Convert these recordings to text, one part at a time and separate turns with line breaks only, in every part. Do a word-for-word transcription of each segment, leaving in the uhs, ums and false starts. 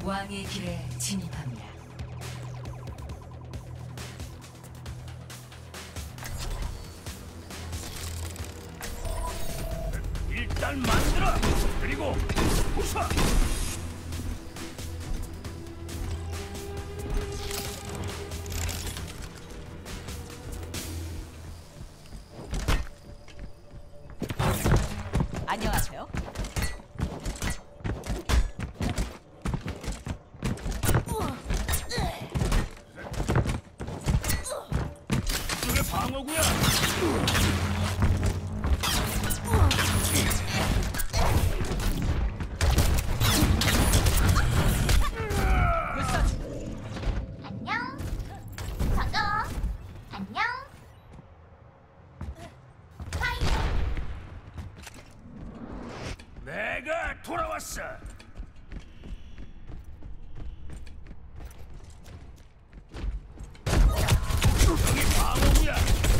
왕의 길에 진입합니다.
일단 만들어! 그리고 부숴!
안녕하세요.
이게 방어구야!
안녕. 반가워. 안녕. 파이어.
내가 돌아왔어! 이게 방어구야!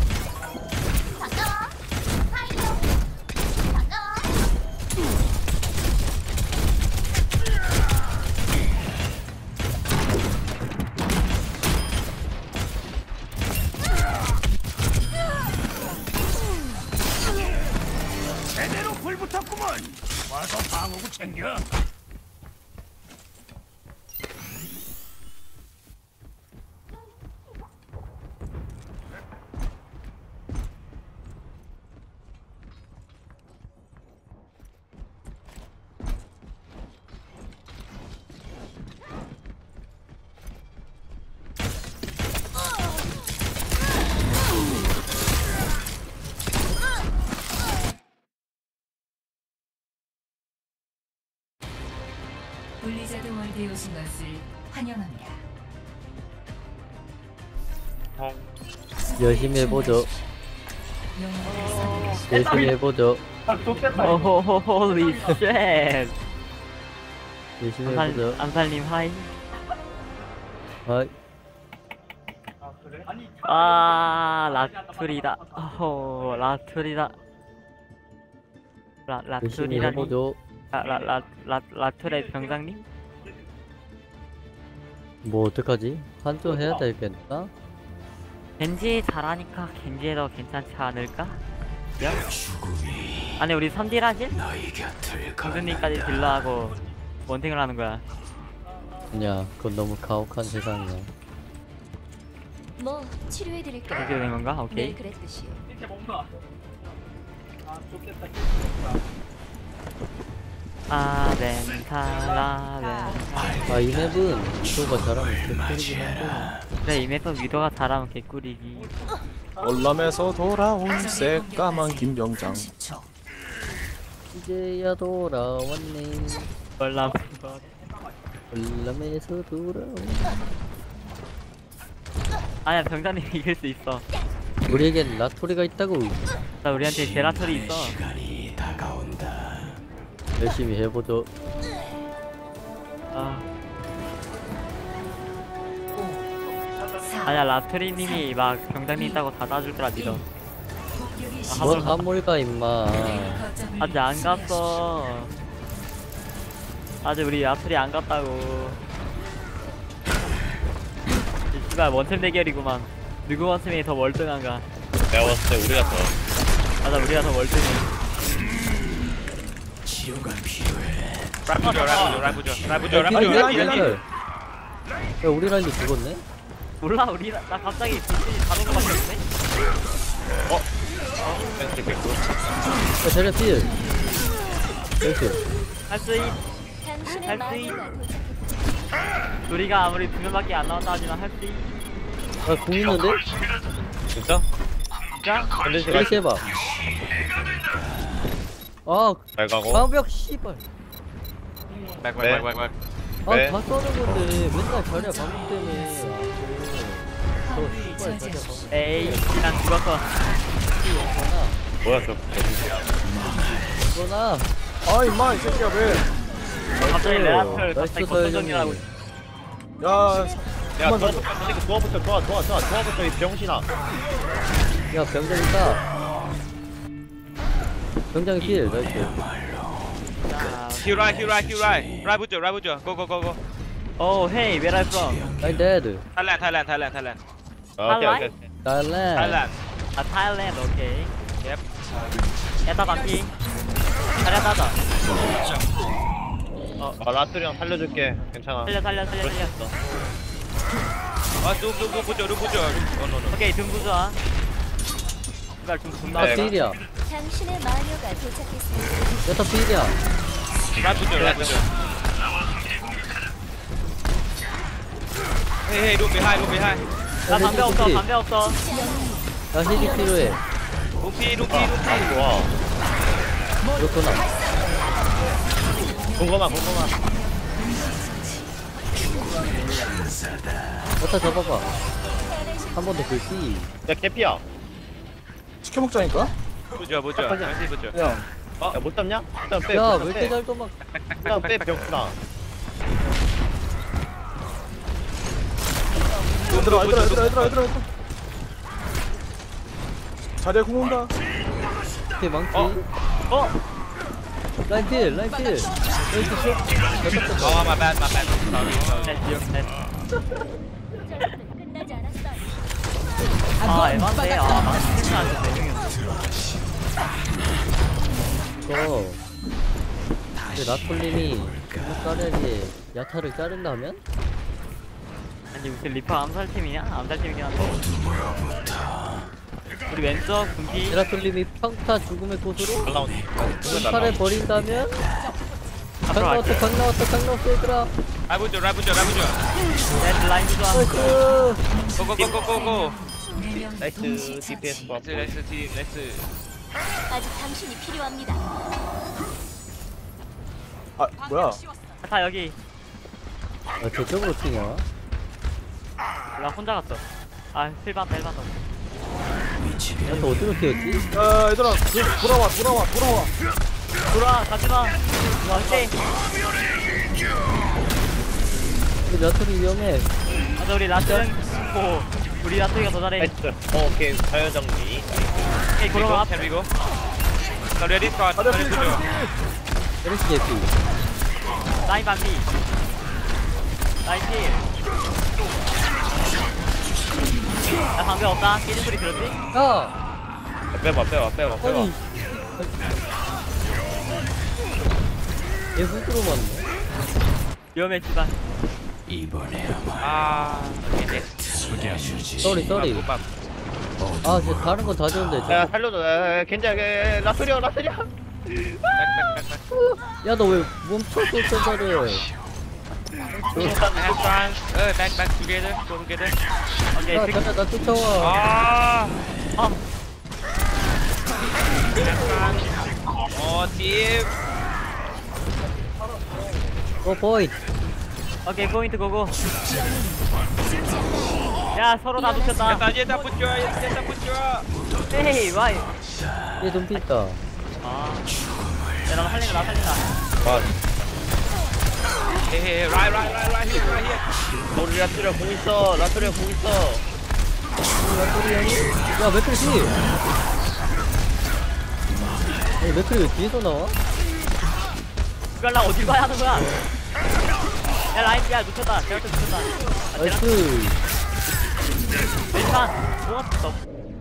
반가워. 파이어. 반가워.
제대로 불 붙었구먼! 와서 방어구 챙겨!
블리자드 월드에 오신 것을 환영합니다.
열심히 해보죠.
영웅을 선택하시오.
열심히 해보죠.
오호호 홀리 쉣.
열심히 해보죠.
안살, 안살님 하이.
아이,
아 라툴이다. 오 라툴이다. 라
열심히
라툴이라니.
해보죠.
라라라 라툴의 병장님?
뭐 어떡하지? 한조 해야 되겠나?
겐지 잘하니까 겐지에도 괜찮지 않을까? 야? 아니 우리 삼딜하실? 공주님까지 딜러하고 원탱을 하는 거야.
아니야, 그건 너무 가혹한 세상이야.
뭐 치료해드릴까요?
그렇게 된 건가? 오케이.
네, 그랬듯이요.
아벤타라벤.
아, 이 맵은 위도가 잘하면 개꿀이긴 한데.
그래 이 맵은 위도가 잘하면 개꿀이지.
월남에서 돌아온 새까만 김병장.
삼십 초.
이제야 돌아왔네.
월남.
월남에서 돌아온.
아니야 병장님 이길 수 있어.
우리에겐 라토리가 있다고.
나 우리한테 제라털이 있어.
열심히 해보죠.
아.
사,
아니야 라트리님이 막 병장님 있다고 다 놔줄 거라 믿어.
공격이
아,
뭔
한번
한몰가 임마.
거점을
아직 안 갔어. 아직 우리 라트리 안 갔다고. 이 씨발 원템 대결이구만. 누구 원템이 더 월등한가?
내가 봤을 때 우리가 더.
맞아 우리가 더 월등해.
라이브죠, 라이브죠, 라이브죠, 라이브죠,
야,
라이브죠,
야,
라이브죠.
야, 야, 우리 라인도 죽었네?
몰라 우리 나, 나 갑자기 불신이 다른 거 같았네.
펜스 개꿀.
야, 자리야 필. 나이스.
할수 있.
당신의
할수
마음이
있. 우리가 아무리 두 명밖에 안 나왔다 하지만 할 수 있.
아, 공 있는데?
진짜?
진짜?
근데 제가
다시 해봐. 아,
잘 가고.
방벽 씨발.
네.
아,
네.
다 써는 건데 맨날 자리야 방벽 때문에. 아, 저
화물을
씨발 자리야
저지하십시오.
방벽.
에이 난 죽었어.
뭐야 저.
이거나.
아 임마 이 새끼야 왜?
갑자기 레아틀
나이스
갑자기
서현이.
거점정리하고.
야, 야, 도와, 도와부터, 도와, 도와, 도와, 도와부터 이 병신아.
야, 병장 있다. 병장이 필. 나이스.
자,
Heal right, heal right, heal right. Right 보죠, right 보죠. Go, go, go, go.
Oh hey, where are you from?
라인 데드.
타일랜드 타일랜드 타일랜드 타일랜드 오케이
Thailand?
오케이
달래.
타일랜드
아 Thailand, 오케이.
옙
야타 반피. 자리야 따자.
아 라스리 형 살려줄게 괜찮아
살려 살려 살려 살려.
아누누누 보죠 누 보죠 노노노
오케이 등 부좋아. 이발 좀 존나.
아
네.
필이야.
당신의 마녀가 도착했습니다.
여타 필이야.
라이 보죠 라이 보죠 헤이 헤이 루비 하이 루비 하이
나 담배 없어 담배 없어.
나 힐이 필요해.
루피 루피 루피 와
그렇구나.
궁금하 궁금하
여타 잡아봐. 한 번 더 글씨.
야 개피야
시켜 먹자니까.
보죠 보죠 다시 보죠
야,
야못 잡냐? 일단 빼
야,
일단
왜
빼.
이렇게 잘 도망?
일단 빼 병수다
얘들아, 얘들아, 얘들아, 얘들아, 얘들아. 자리에 공 온다.
이렇게 망치.
어? 어?
라인 필, 라인 필. 라인 필 쇼.
아 my bad my bad sorry sorry
네, 기억 네.
전투는 끝나지 않았어요.
아 에반데. 아 망치 생각하는데 네 명이었어.
이거. 근데 라톨님이 까레리에 야타를 자른다면?
아니 무슨 리퍼 암살팀이냐? 암살팀이긴 한데. 우리 왼쪽 분기.
라톨님이 평타 죽음의 곳으로
올라온다
칼을 버린다면? 강
앞으로
나왔다,
갈게.
강 나왔다, 강 나왔어 얘들아.
라이 보죠 라이 보죠 라이 보죠
네, 라인 부좋아.
나이스.
고고고고고고
네명
나이스 디피에스 나이스 나이스 디 나이스
아직 당신이 필요합니다.
아, 뭐야?
다 여기.
아, 저쪽으로 튀냐?
나 혼자 갔어. 아 실반 헬반 더.
야타 어디로 튀었지?
야, 얘들아, 그, 돌아와, 돌아와, 돌아와.
돌아 가지마. 오케이.
근데 야타이 위험해.
맞아 우리 라스랑 고 우리 라스가 더 잘해.
나이스 어 오케이 자연 정리
오케이 그럼 앞.
Can we go? 나 레디 컷
자리에
레디
필,
보죠
자리에 필.
에르시 개피.
라인 반비. 라인 필. 나 방배 없다. 깨진 소리 들었지?
야!
빼봐 빼봐 빼봐 빼봐
아니. 얘 훅으로 맞네.
위험했지만.
아 오케이 넥스트
쏘리, 쏘리. 아, 쟤 다른 건 다 좋은데.
야
저.
살려줘 야 괜찮아 야, 라스리야 라스리야
야, 너 왜 멈췄어, 센터를.
Have fun 어 back back together go together
오케이.
야,
그-
잠깐, 나 쫓아와.
아
아,
어, 팀.
어, 보이.
오케이 포인트 고고. 야 서로 다 놓쳤다.
됐다, 이제 다 붙여, 이제 다 붙여.
헤이 와이.
얘 눈빛 있다.
아. 야나 살린다 나 살린다.
와. 헤헤, 라이, 라이, 라이, 라이, 히어, 라이, 히어. 우리 라트리아 공 있어, 라트리아 공 있어.
야토리 형이? 야, 맥클이 뒤! 아니, 맥클이 왜 뒤에서 나와?
이걸 나 어딜 봐야 하는 거야? 야 라인 야 놓쳤다. 제가 또 놓쳤다. 아, 쟤랑
나이스.
일단 좋았어.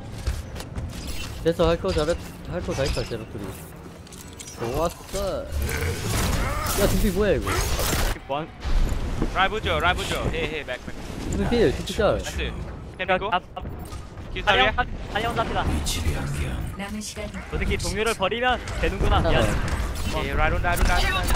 됐어, 할 거 잘했, 할 거 다 했다, 제라토리. 좋았어. 야, 눈빛 뭐야, 이거?
원.
라이 보죠, 라이 보죠. 헤헤, 백, 백.
눈빛 필, 눈빛 짤.
나이스. 템이고,
아,
기사리야.
달려온 잡니다.
남은 시간
너 새끼 동료를 버리면 되는구나.
괜찮아요.
야,
예, 라이론, 라이론, 라이론, 라이론.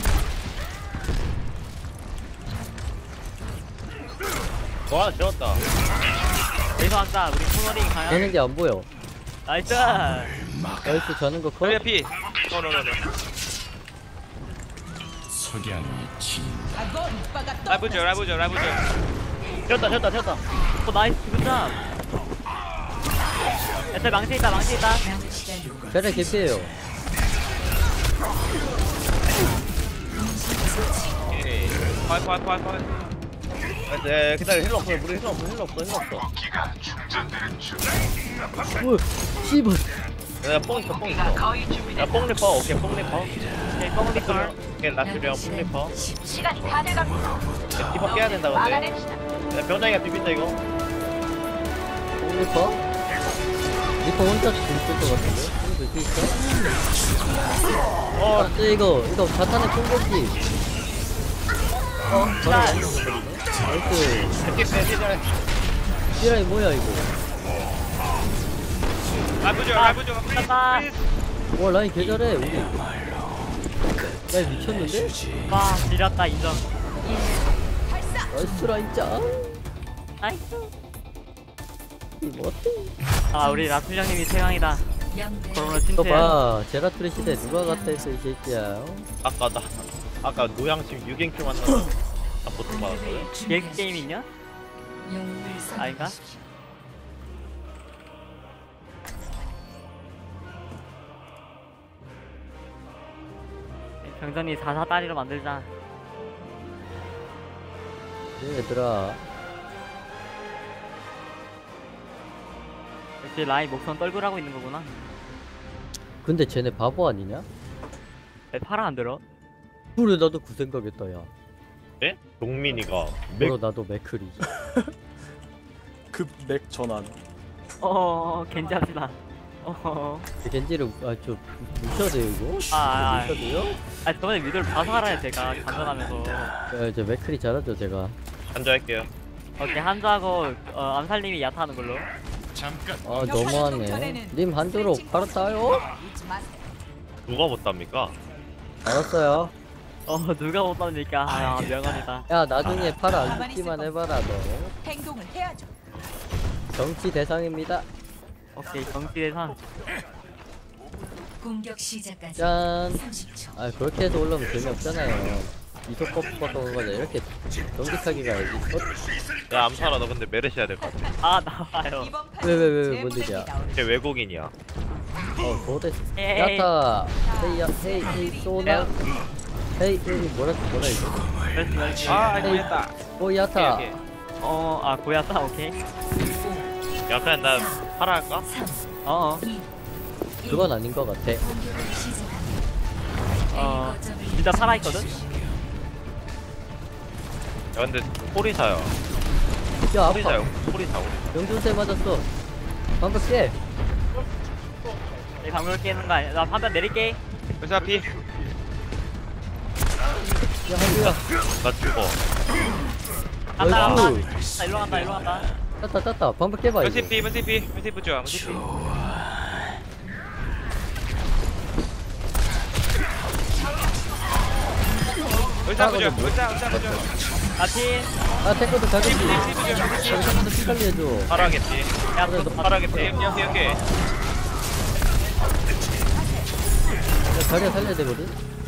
와, 지웠다.
여기서 한다. 우리 코너링 가야.
되는 게 안 보여.
나이스.
나이스, 자는 거 커?
라이야, 피. 노노노노. 라이 보죠, 라이 보죠, 라이 보죠. 지웠다, 지웠다, 지웠다.
어 나이스 굿잡. 애들 망치 있다 망치 있다.
남은 시간
자네 개피해요.
오케이. 파이, 파이, 파이, 파이. 네, 기다려. 힐러 없어. 우리 힐러 없어. 힐러 없어. 힐러 없어.
뭐, 씨발.
야, 뽕 있어, 뽕 있어. 야, 뽕 리퍼. 오케이, 뽕 리퍼.
오케이 뻥 리컬.
오케이 라스리랑 플리퍼.
시간이 다 돼갑니다.
리퍼 깨야 된다 근데.
막아냅시다.
야, 병장이가 비빈다 이거.
리퍼? 리퍼 혼자 죽을 것 같은데? 이거 될수 있어?
어
아, 저 이거 이거 자탄의 콩고기. 어? 저랑 나이스.
이렇게 빼기 전에.
시라이 뭐야 이거?
라이브죠 라이브죠.
간다.
와 라인 개 잘해 우리. 라인 미쳤는데?
와 지렸다 인정.
나이스 라인 짱.
나이스.
이거 어때?
아 우리 라툴장님이 최강이다. 코로나
이거
침체.
봐 제라툴의 시대 누가 갔다 했어 이 새끼야. 어?
아까 나 아까 노양심 유갱큐 만나서 나 보통 받았거든.
게 게임 있냐? 아닌가? 병전이 사사 다리로 만들자.
네, 얘들아
역시 라인 목선 떨굴하고 있는 거구나.
근데 쟤네 바보 아니냐?
왜 파라 안 들어?
그래 나도 그 생각했다 야.
네? 동민이가 맥
그럼 나도 맥크리.
급맥 전환.
어 겐지 합시다. 어.
겐지를 아저 묻혀야 돼요 이거?
아, 아, 아.
묻혀야 돼요?
아 저번에 미드를 봐서 알아요 제가 간전하면서.
야 이제 맥크리 잘하죠 제가.
한자할게요.
오케이 한주하고 어, 암살님이 야타하는 걸로.
아 너무하네. 님 한조로 팔았다요?
누가 못 답니까?
알았어요.
어 누가 못 받으니까 아 명언이다.
야 나중에 팔아 안 죽기만 해봐라 너.
행동을 해야죠.
정치 대상입니다.
오케이 경기 대상.
공격 시작까지
짠.
삼십 초.
아 그렇게 해서 올라오면 재미없잖아요. 이속 꺾어서 가자 이렇게 정직하게 가야지. 어?
야 암살아 너 근데 메르시 해야 될 것 같아.
아 나와요.
이번 판
왜, 왜, 왜,
제
뭔
무대기
일이야?
나오는
걔 외국인이야.
어 고대.
에이.
야타. 헤이 야 헤이 헤이 소나. 헤이 헤이 뭐라 뭐라 이거?
그렇지 그렇지.
아
헤이 오 야타.
오케이, 오케이.
어아 고야타 오케이.
야 그냥 나 팔아 할까?
어어.
그건 아닌 것 같아.
공격을 시작합니다.
어
A 거점을
진짜 살아있거든?
야 근데 호리사야.
야
호리사야.
아파.
호리사 호리사.
명중세 맞았어. 방금 깨.
내 방금 깨는 거 아니야. 나 판단 내릴게.
회사 피.
야 한주야.
나 죽어.
간다 간다.
어이구.
나 일로 간다 일로 간다.
땄다 땄다. 방금 깨봐 이거.
문시피 문시피 문시피 좋아 문시피. 의사 부죠 의사 의사 부죠.
나팀.
아 탱커도 가겠지.
피 부죠.
여기 한번더 피 관리 해줘.
팔아겠지.
야
그래,
너
너
팔아겠지. 오케이 오케이 오케이.
야 자리야 살려야 되거든.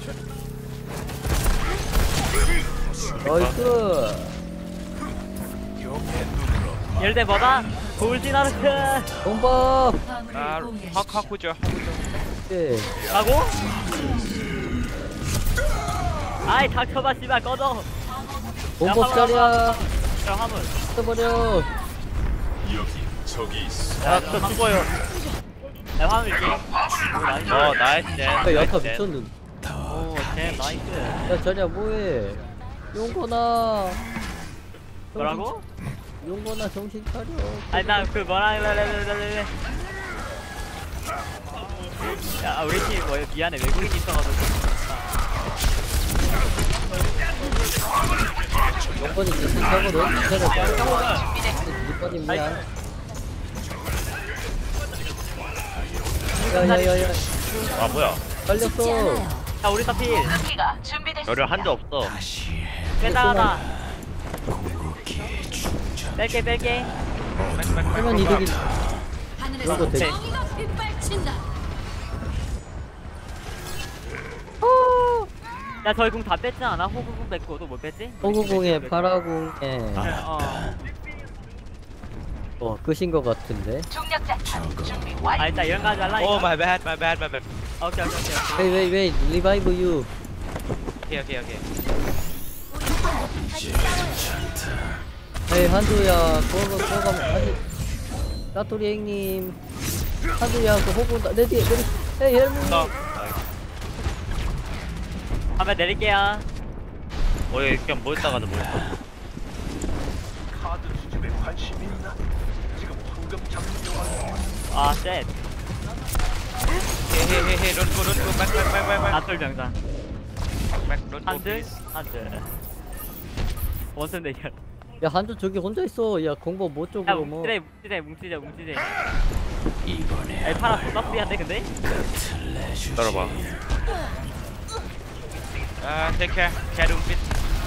나이스.
열대 뭐다? 골디나르트.
bomba.
아 확확 부죠.
예.
라고? 아이 닥쳐봐 씨발 꺼져.
bomba 자리야.
야 화물.
써버려.
야저 죽어요.
야 화물 있게. 오 나이스.
어 나이스.
야 야타 미쳤는.
오쟤 나이스.
야 자리야 뭐해? 용거나.
뭐라고?
용거나 정신 차려.
아니 나 그 뭐라 그래. 야 우리 팀 뭐 미안해 외국인 있어가지고.
용건이 정신 차거든. 기다려봐. 니꺼니 미안. 야야야야.
아 뭐야?
빨렸어.
야 우리 사필.
열을 한적 없어.
빼다 하나. 뺄게 뺄게.
하면 이득이. 이런 거 되게.
야 저희 궁 다 뺐지 않아? 호구궁 뺐고 또 뭐 뺐지?
호구공에 파라공에
어.
어 끝인 것 같은데.
아 일단 이런 거 하지 말라.
오 마이 배드 마이 배드 마이 배드.
오케이 오케이 오케이.
Wait wait wait revive you.
오케이 오케이 오케이.
에이 한두야 그거 그거 아니 까토리 형님 한두야 그 호구 내 뒤에 내리. 에이 헬무.
나
화면 내릴게요.
뭐야 그냥 모였다가도 모였다.
카드 수집에 관심이 있나? 지금 황금 장려하는
아 쉣.
헤헤헤헤 런고 런고 백백백백백
안돌 병장.
런고
한들 한들. 원슨 대결.
야 한조 저기 혼자 있어. 야 공법 못
야
쪽으로 뭐.
뭉치대 뭉치대 뭉치대 뭉치대. 야 파라 존나 프리한데 근데?
따라봐. 아 테이크 캐룸핏.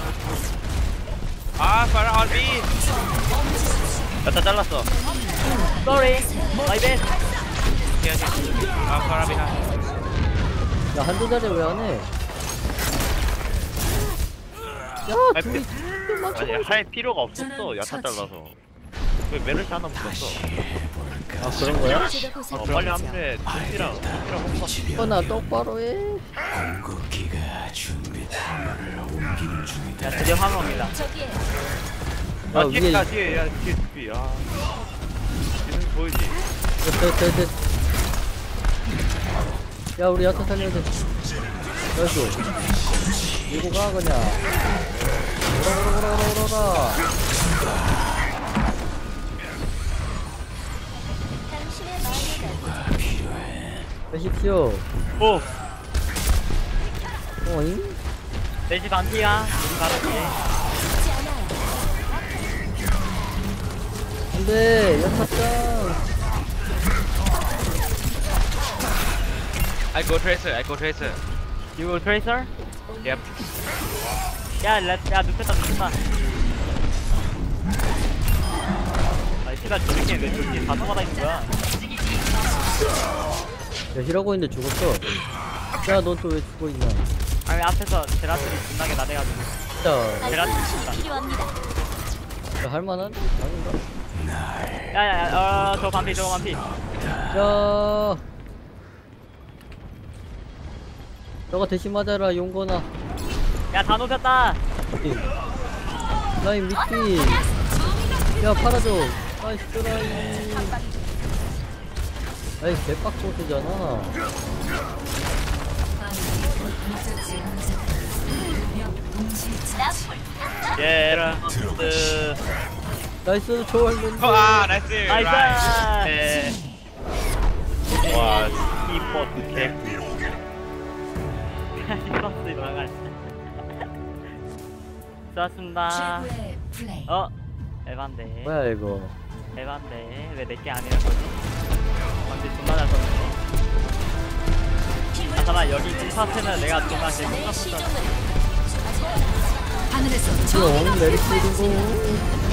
아 파라 얼비. 다 잘랐어.
Sorry, my bad.
아 파라 비하.
야 한조 자리 왜 안 해? 야
아니,
둘이
아니 할 필요가 없었어. 야타 잘라서. 왜 메르시 하나 붙였어?
아 그런 거야?
제가
어
보살펴
빨리 한대 준비랑 준비랑 홍보.
어나 똑바로 해.
야 드디어 화면입니다.
저기에
아
아
위에
뒤에 가 뒤에 야 뒤에 준비. 아 뒤는 보이지.
됐됐됐. 야 우리 야타 살려야 돼. 나이스. 이거 가 그냥. 오라 오라 오라 오라 오라.
당신의 마음을
빼십시오.
오,
어잉?
넷시 반피야. 우리 바로 뒤에.
갖지 않아요.
안돼 야타짱.
I go tracer. I go tracer.
You will tracer?
Yep.
야, 렛, 야, 눕혔다, 눕혔다. 아, 씨발, 저렇게 왜 저렇게 다 넘어다 있는 거야?
야 힐하고 있는데 죽었어. 야 넌 또 왜 죽어있냐.
아니, 앞에서 제라툴이 존나게 나대가지고.
자,
제라툴
알파신이
진다.
필요합니다.
야, 할만한? 아닌가?
야, 야, 야, 어, 저 반피, 저거 반피.
야 너가 대신 맞아라 용건아.
야, 다 높였다.
라인 미끼. 야 팔아줘. 나이스 라인. 아이 개빡소스잖아.
예런스.
나이스 좋았는데.
아 나이스.
나이스.
네. 와 이퍼 개.
히버스 돌아갈. 좋았습니다.
최고의 플레이.
어, 에반데.
뭐야 이거.
에반데. 왜 내게 아니란 거지? 근데 존나 잘 썼네. 아, 잠깐만, 여기 이 파트는 내가 존나 제일
내
못 썼어.
시종은 하늘에서
이거 오늘 내리치고.